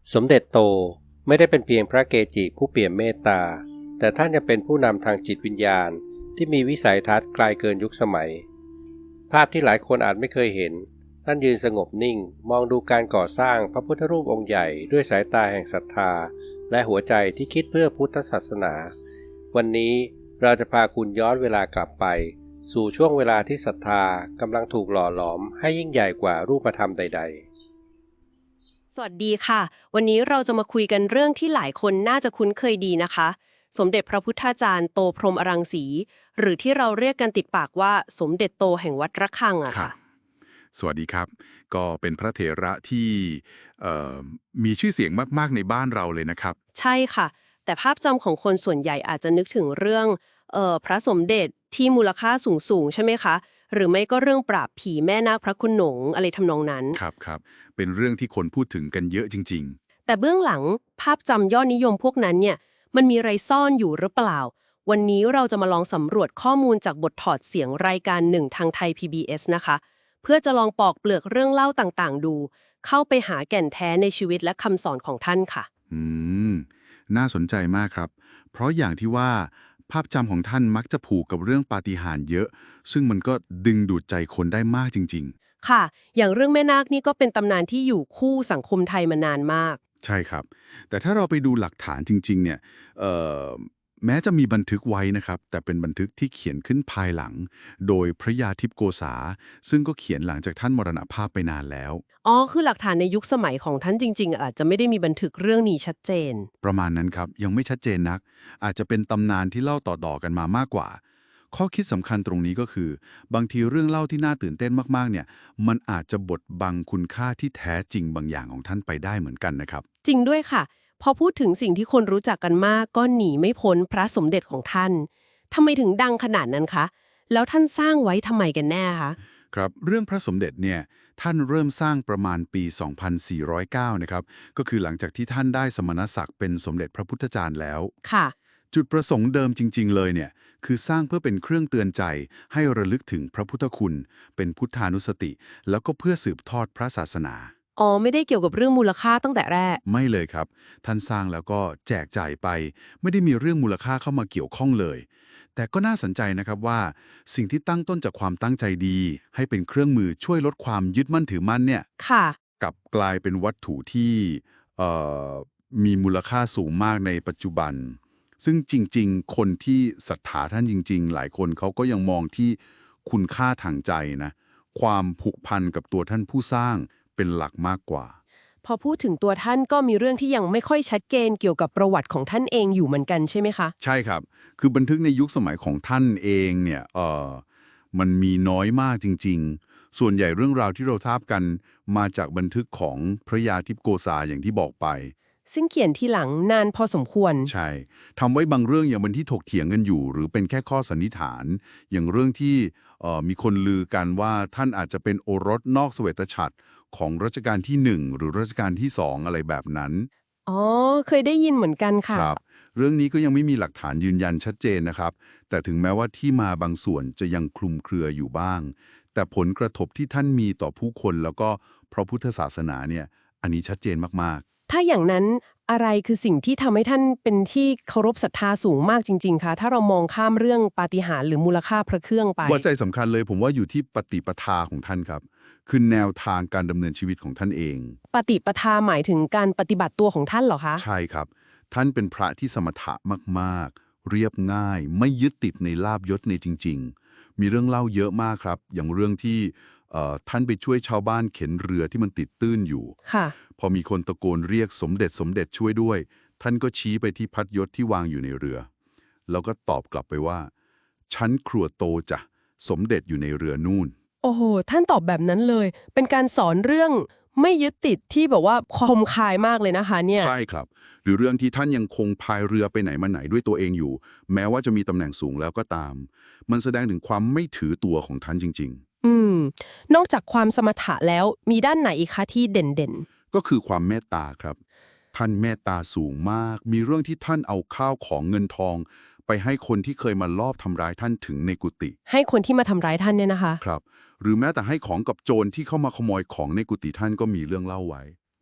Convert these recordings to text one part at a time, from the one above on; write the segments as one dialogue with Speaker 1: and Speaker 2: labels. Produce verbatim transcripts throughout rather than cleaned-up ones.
Speaker 1: สมเด็จโตไม่ได้เป็นเพียงพระเกจิผู้เปี่ยมเมตตาแต่ท่านยังเป็นผู้นำทางจิตวิญญาณที่มีวิสัยทัศน์ไกลเกินยุคสมัยภาพที่หลายคนอาจไม่เคยเห็นท่านยืนสงบนิ่งมองดูการก่อสร้างพระพุทธรูปองค์ใหญ่ด้วยสายตาแห่งศรัทธาและหัวใจที่คิดเพื่อพุทธศาสนาวันนี้เราจะพาคุณย้อนเวลากลับไปสู่ช่วงเวลาที่ศรัทธากำลังถูกหล่อหลอมให้ยิ่งใหญ่กว่ารูปธรรมใดๆ
Speaker 2: สวัสดีค่ะวันนี้เราจะมาคุยกันเรื่องที่หลายคนน่าจะคุ้นเคยดีนะคะสมเด็จพระพุทธาจารย์โตพรหมอรังสีหรือที่เราเรียกกันติดปากว่าสมเด็จโตแห่งวัดระฆังอะค่ะ
Speaker 3: สวัสดีครับก็เป็นพระเถระที่มีชื่อเสียงมากๆในบ้านเราเลยนะครับ
Speaker 2: ใช่ค่ะแต่ภาพจำของคนส่วนใหญ่อาจจะนึกถึงเรื่องเอ่อพระสมเด็จที่มูลค่าสูงๆใช่ไหมคะหรือไม่ก็เรื่องปราบผีแม่นาคพระโขนงอะไรทำนองนั้น
Speaker 3: ครับครับเป็นเรื่องที่คนพูดถึงกันเยอะจริง
Speaker 2: ๆแต่เบื้องหลังภาพจำยอดนิยมพวกนั้นเนี่ยมันมีอะไรซ่อนอยู่หรือเปล่าวันนี้เราจะมาลองสำรวจข้อมูลจากบทถอดเสียงรายการหนึ่งทางไทย พี บี เอส นะคะเพื่อจะลองปอกเปลือกเรื่องเล่าต่างๆดูเข้าไปหาแก่นแท้ในชีวิตและคำสอนของท่านค่ะ
Speaker 3: อืมน่าสนใจมากครับเพราะอย่างที่ว่าภาพจำของท่านมักจะผูกกับเรื่องปาฏิหาริย์เยอะซึ่งมันก็ดึงดูดใจคนได้มากจริง
Speaker 2: ๆค่ะอย่างเรื่องแม่นาคนี่ก็เป็นตำนานที่อยู่คู่สังคมไทยมานานมาก
Speaker 3: ใช่ครับแต่ถ้าเราไปดูหลักฐานจริงๆเนี่ยแม้จะมีบันทึกไว้นะครับแต่เป็นบันทึกที่เขียนขึ้นภายหลังโดยพระยาทิพโกษาซึ่งก็เขียนหลังจากท่านมรณภาพไปนานแล้ว
Speaker 2: อ๋อคือหลักฐานในยุคสมัยของท่านจริงๆอาจจะไม่ได้มีบันทึกเรื่องนี้ชัดเจน
Speaker 3: ประมาณนั้นครับยังไม่ชัดเจนนักอาจจะเป็นตำนานที่เล่าต่อๆกันมามากกว่าข้อคิดสำคัญตรงนี้ก็คือบางทีเรื่องเล่าที่น่าตื่นเต้นมากๆเนี่ยมันอาจจะบดบังคุณค่าที่แท้จริงบางอย่างของท่านไปได้เหมือนกันนะครับ
Speaker 2: จริงด้วยค่ะพอพูดถึงสิ่งที่คนรู้จักกันมากก็หนีไม่พ้นพระสมเด็จของท่านทำไมถึงดังขนาดนั้นคะแล้วท่านสร้างไว้ทำไมกันแน่คะ
Speaker 3: ครับเรื่องพระสมเด็จเนี่ยท่านเริ่มสร้างประมาณปี สองพันสี่ร้อยเก้า นะครับก็คือหลังจากที่ท่านได้สมณศักดิ์เป็นสมเด็จพระพุทธจารย์แล้ว
Speaker 2: ค่ะ
Speaker 3: จุดประสงค์เดิมจริงๆเลยเนี่ยคือสร้างเพื่อเป็นเครื่องเตือนใจให้ระลึกถึงพระพุทธคุณเป็นพุทธานุสติแล้วก็เพื่อสืบทอดพระศาสนา
Speaker 2: อ๋อไม่ได้เกี่ยวกับเรื่องมูลค่าตั้งแต่แรก
Speaker 3: ไม่เลยครับท่านสร้างแล้วก็แจกจ่ายไปไม่ได้มีเรื่องมูลค่าเข้ามาเกี่ยวข้องเลยแต่ก็น่าสนใจนะครับว่าสิ่งที่ตั้งต้นจากความตั้งใจดีให้เป็นเครื่องมือช่วยลดความยึดมั่นถือมั่นเนี่ย
Speaker 2: ค่ะ
Speaker 3: กลับกลายเป็นวัตถุที่มีมูลค่าสูงมากในปัจจุบันซึ่งจริงๆคนที่ศรัทธาท่านจริงๆหลายคนเขาก็ยังมองที่คุณค่าทางใจนะความผูกพันกับตัวท่านผู้สร้างเป็นหลักมากกว่า
Speaker 2: พอพูดถึงตัวท่านก็มีเรื่องที่ยังไม่ค่อยชัดเจนเกี่ยวกับประวัติของท่านเองอยู่เหมือนกันใช่ไหมคะ
Speaker 3: ใช่ครับคือบันทึกในยุคสมัยของท่านเองเนี่ยเออมันมีน้อยมากจริงๆส่วนใหญ่เรื่องราวที่เราทราบกันมาจากบันทึกของพระยาทิพโกษาอย่างที่บอกไป
Speaker 2: ซึ่งเขียนที่หลังนานพอสมควร
Speaker 3: ใช่ทำไว้บางเรื่องยังเป็นที่ถกเถียงกันอยู่หรือเป็นแค่ข้อสันนิษฐานอย่างเรื่องที่มีคนลือกันว่าท่านอาจจะเป็นโอรสนอกเสวตฉัตรของรัชกาลที่หนึ่งหรือรัชกาลที่สองอะไรแบบนั้น
Speaker 2: อ๋อเคยได้ยินเหมือนกันค่ะ
Speaker 3: ครับเรื่องนี้ก็ยังไม่มีหลักฐานยืนยันชัดเจนนะครับแต่ถึงแม้ว่าที่มาบางส่วนจะยังคลุมเครืออยู่บ้างแต่ผลกระทบที่ท่านมีต่อผู้คนแล้วก็พระพุทธศาสนาเนี่ยอันนี้ชัดเจนมาก
Speaker 2: ๆถ้าอย่างนั้นอะไรคือสิ่งที่ทำให้ท่านเป็นที่เคารพศรัทธาสูงมากจริงๆคะถ้าเรามองข้ามเรื่องปาฏิหาริย์หรือมูลค่าพระเครื่องไป
Speaker 3: หัวใจสำคัญเลยผมว่าอยู่ที่ปฏิปทาของท่านครับคือแนวทางการดำเนินชีวิตของท่านเอง
Speaker 2: ปฏิปทาหมายถึงการปฏิบัติตัวของท่านเหรอคะ
Speaker 3: ใช่ครับท่านเป็นพระที่สมถะมากๆเรียบง่ายไม่ยึดติดในลาภยศในจริงๆมีเรื่องเล่าเยอะมากครับอย่างเรื่องที่ท่านไปช่วยชาวบ้านเข็นเรือที่มันติดตื้นอยู่
Speaker 2: ค่ะ
Speaker 3: พอมีคนตะโกนเรียกสมเด็จสมเด็จช่วยด้วยท่านก็ชี้ไปที่พัดยศที่วางอยู่ในเรือแล้วก็ตอบกลับไปว่าชั้นครัวโตจ้ะสมเด็จอยู่ในเรือนู่น
Speaker 2: โอ้โหท่านตอบแบบนั้นเลยเป็นการสอนเรื่องไม่ยึดติดที่แบบว่าคมคายมากเลยนะคะเนี่ย
Speaker 3: ใช่ครับหรือเรื่องที่ท่านยังคงพายเรือไปไหนมาไหนด้วยตัวเองอยู่แม้ว่าจะมีตำแหน่งสูงแล้วก็ตามมันแสดงถึงความไม่ถือตัวของท่านจริง
Speaker 2: ๆอืมนอกจากความสมถะแล้วมีด้านไหนอีกคะที่เด่น
Speaker 3: ๆก็คือความเมตตาครับท่านเมตตาสูงมากมีเรื่องที่ท่านเอาข้าวของเงินทองไปให้คนที่เคยมาลอบทำร้ายท่านถึงในกุฏิ
Speaker 2: ให้คนที่มาทำร้ายท่านเนี่ยนะคะ
Speaker 3: ครับหรือแม้แต่ให้ของกับโจรที่เข้ามาขโมยของในกุฏิท่านก็มีเรื่องเล่าไว้
Speaker 2: โอ้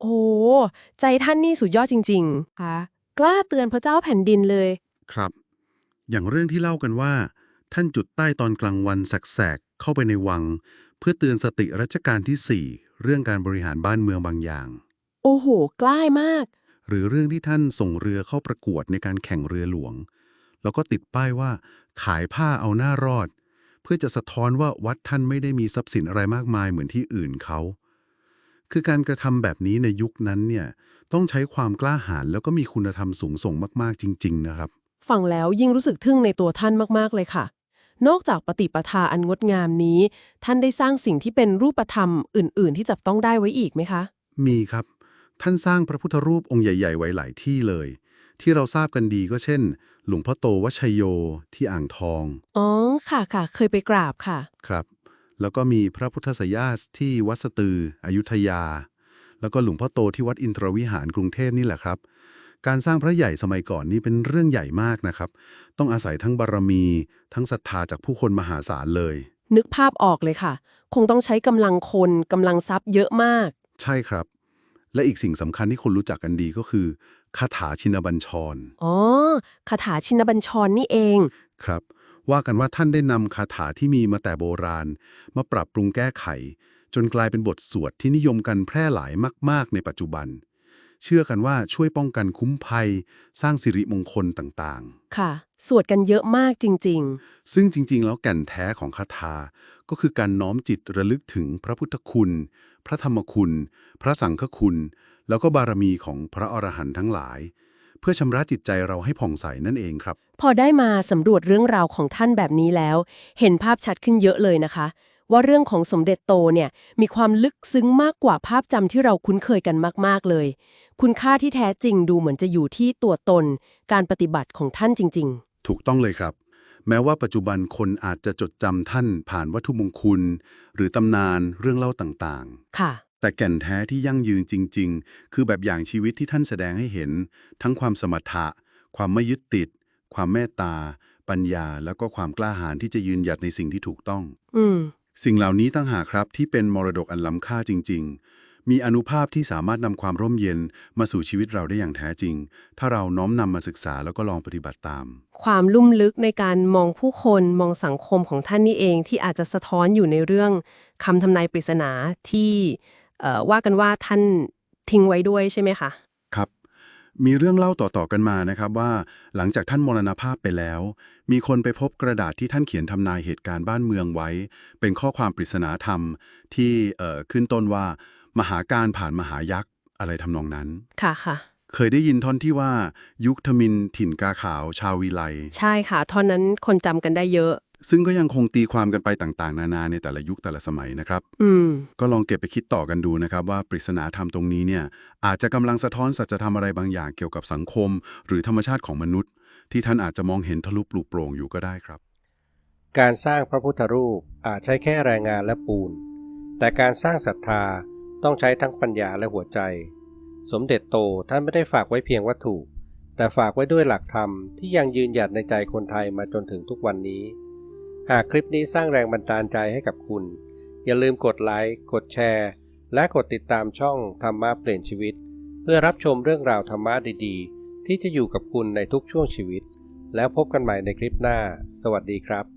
Speaker 4: ใจท่านนี่สุดยอดจริงๆค่ะกล้าเตือนพระเจ้าแผ่นดินเลย
Speaker 5: ครับ อย่างเรื่องที่เล่ากันว่า ท่านจุดใต้ตอนกลางวันแสกๆเข้าไปในวัง เพื่อเตือนสติรัชกาลที่สี่เรื่องการบริหารบ้านเมืองบางอย่าง
Speaker 4: โอ้โหกล้ามาก
Speaker 5: หรือเรื่องที่ท่านส่งเรือเข้าประกวดในการแข่งเรือหลวง แล้วก็ติดป้ายว่าขายผ้าเอาหน้ารอด เพื่อจะสะท้อนว่าวัดท่านไม่ได้มีทรัพย์สินอะไรมากมายเหมือนที่อื่นเขา คือการกระทำแบบนี้ในยุคนั้นเนี่ยต้องใช้ความกล้าหาญแล้วก็มีคุณธรรมสูงส่งมากๆจริงๆนะครับ
Speaker 4: ฟังแล้วยิ่งรู้สึกทึ่งในตัวท่านมากๆเลยค่ะ นอกจากปฏิปทาอันงดงามนี้ ท่านได้สร้างสิ่งที่เป็นรูปธรรมอื่นๆ ที่จับต้องได้ไว้อีกไหมคะ
Speaker 5: มีครับ ท่านสร้างพระพุทธรูปองค์ใหญ่ๆไว้หลายที่เลย ที่เราทราบกันดีก็เช่น หลวงพ่อโตวชัยโยที่อ่างทอง
Speaker 4: อ๋อค่ะค่ะเคยไปกราบค่ะ
Speaker 5: ครับ แล้วก็มีพระพุทธสยาสที่วัดสตืออยุธยา แล้วก็หลวงพ่อโตที่วัดอินทรวิหารกรุงเทพนี่แหละครับ การสร้างพระใหญ่สมัยก่อนนี่เป็นเรื่องใหญ่มากนะครับ ต้องอาศัยทั้งบารมี ทั้งศรัทธาจากผู้คนมหาศาลเลย
Speaker 4: นึกภาพออกเลยค่ะ คงต้องใช้กำลังคนกำลังทรัพย์เยอะมาก
Speaker 5: ใช่ครับ และอีกสิ่งสำคัญที่คนรู้จักกันดีก็คือคาถาชินบัญชร
Speaker 4: อ๋อคาถาชินบัญชรนี่เอง
Speaker 5: ครับ ว่ากันว่าท่านได้นำคาถาที่มีมาแต่โบราณ มาปรับปรุงแก้ไข จนกลายเป็นบทสวดที่นิยมกันแพร่หลายมากๆในปัจจุบัน เชื่อกันว่าช่วยป้องกันคุ้มภัย สร้างสิริมงคลต่างๆ
Speaker 4: ค่ะ สวดกันเยอะมากจริง
Speaker 5: ซึ่งจริงๆ แล้วแก่นแท้ของคาถาก็คือการน้อมจิตระลึกถึงพระพุทธคุณ พระธรรมคุณ พระสังฆคุณ แล้วก็บารมีของพระอรหันต์ทั้งหลาย เพื่อชำระจิตใจเราให้ผ่องใสนั่นเองครับ
Speaker 4: ๆ พอได้มาสำรวจเรื่องราวของท่านแบบนี้แล้ว เห็นภาพชัดขึ้นเยอะเลยนะคะ ว่าเรื่องของสมเด็จโตเนี่ยมีความลึกซึ้งมากกว่าภาพจำที่เราคุ้นเคยกันมากๆเลย คุณค่าที่แท้จริงดูเหมือนจะอยู่ที่ตัวตน การปฏิบัติของท่านจริง
Speaker 5: ถูกต้องเลยครับ แม้ว่าปัจจุบันคนอาจจะจดจำท่านผ่านวัตถุมงคล หรือตำนานเรื่องเล่าต่าง
Speaker 4: ๆ ค่ะ
Speaker 5: ๆ แต่แก่นแท้ที่ยั่งยืนจริง ๆ คือแบบอย่างชีวิตที่ท่านแสดงให้เห็น ทั้งความสมถะ ความไม่ยึดติด ความเมตตา ปัญญา แล้วก็ความกล้าหาญที่จะยืนหยัดในสิ่งที่ถูกต้อง
Speaker 4: อืม
Speaker 5: สิ่งเหล่านี้ต่างหากครับที่เป็นมรดกอันล้ำค่าจริง ๆ มีอานุภาพที่สามารถนำความร่มเย็นมาสู่ชีวิตเราได้อย่างแท้จริง ถ้าเราน้อมนำมาศึกษาแล้วก็ลองปฏิบัติตาม
Speaker 4: ความลุ่มลึกในการมองผู้คนมองสังคมของท่านนี่เองที่อาจจะสะท้อนอยู่ในเรื่องคำทำนายปริศนาที่เอ่อว่ากันว่าท่านทิ้งไว้ด้วยใช่ไหมคะ
Speaker 5: ครับ มีเรื่องเล่าต่อๆกันมานะครับว่าหลังจากท่านมรณภาพไปแล้ว มีคนไปพบกระดาษที่ท่านเขียนทำนายเหตุการณ์บ้านเมืองไว้ เป็นข้อความปริศนาธรรมที่เอ่อขึ้นต้นว่ามหาการผ่านมหายักษ์อะไรทำนองนั้น
Speaker 4: ค่ะค่ะ
Speaker 5: เคยได้ยินท่อนที่ว่ายุคทมิฬถิ่นกาขาวชาววีไล
Speaker 4: ใช่ค่ะท่อนนั้นคนจำกันได้เยอะ
Speaker 5: ซึ่งก็ยังคงตีความกันไปต่างๆ นานาในแต่ละยุคแต่ละสมัยนะครับ
Speaker 4: อืม
Speaker 5: ก็ลองเก็บไปคิดต่อกันดูนะครับว่าปริศนาธรรมตรงนี้เนี่ยอาจจะกำลังสะท้อนสัจธรรมอะไรบางอย่างเกี่ยวกับสังคม หรือธรรมชาติของมนุษย์ ที่ท่านอาจจะมองเห็นทะลุปลุกโปร่งอยู่ก็ได้ครับ
Speaker 1: การสร้างพระพุทธรูปอาจใช้แค่แรงงานและปูน แต่การสร้างศรัทธาต้องใช้ทั้งปัญญาและหัวใจ สมเด็จโตท่านไม่ได้ฝากไว้เพียงวัตถุ แต่ฝากไว้ด้วยหลักธรรมที่ยังยืนหยัดในใจคนไทยมาจนถึงทุกวันนี้ หากคลิปนี้สร้างแรงบันดาลใจให้กับคุณ อย่าลืมกดไลค์ กดแชร์ และกดติดตามช่องธรรมะเปลี่ยนชีวิต เพื่อรับชมเรื่องราวธรรมะดีๆ ที่จะอยู่กับคุณในทุกช่วงชีวิต แล้วพบกันใหม่ในคลิปหน้า สวัสดีครับ